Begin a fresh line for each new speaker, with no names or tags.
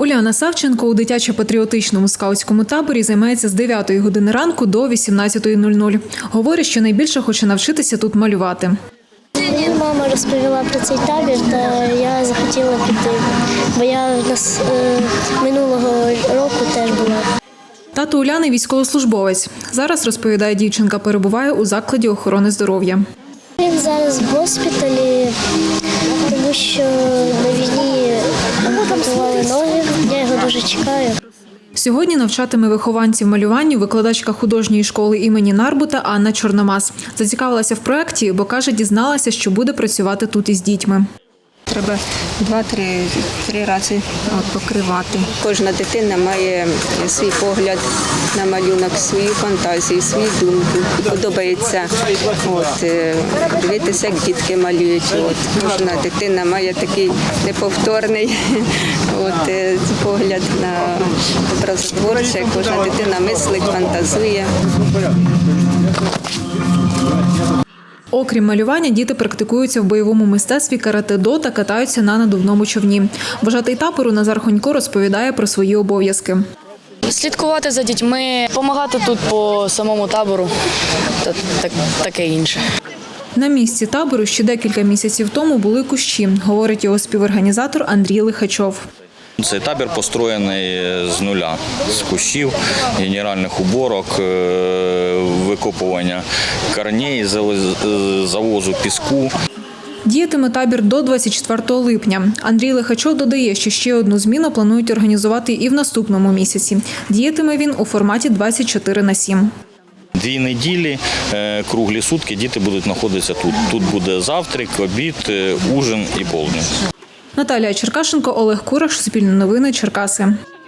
Уляна Савченко у дитячо-патріотичному скаутському таборі займається з 9 години ранку до 18:00. Говорить, що найбільше хоче навчитися тут малювати.
Мама розповіла про цей табір, та я захотіла піти, бо я минулого року теж була.
Тато Уляни – військовослужбовець. Зараз, розповідає дівчинка, перебуває у закладі охорони здоров'я.
Він зараз в госпіталі, тому що на війні ампутували ноги, я його дуже чекаю.
Сьогодні навчатиме вихованців малюванню викладачка художньої школи імені Нарбута Анна Чорномаз. Зацікавилася в проєкті, бо, каже, дізналася, що буде працювати тут із дітьми.
Треба 2-3 рази покривати. Кожна дитина має свій погляд на малюнок, свою фантазію, свою думку. Подобається дивитися, як дітки малюють. Кожна дитина має такий неповторний погляд на образотворче. Кожна дитина мислить, фантазує.
Окрім малювання, діти практикуються в бойовому мистецтві карате-до та катаються на надувному човні. Вожатий табору Назар Хонько розповідає про свої обов'язки.
Слідкувати за дітьми, допомагати тут по самому табору та таке інше.
На місці табору ще декілька місяців тому були кущі, говорить його співорганізатор Андрій Лихачов.
Цей табір построєний з нуля, з кущів, генеральних уборок, викопування корней, завозу піску.
Діятиме табір до 24 липня. Андрій Лихачов додає, що ще одну зміну планують організувати і в наступному місяці. Діятиме він у форматі 24/7.
2 неділі, круглі сутки діти будуть знаходитися тут. Тут буде завтрак, обід, ужин і полдень.
Наталія Черкашенко, Олег Кураш, Суспільне новини, Черкаси.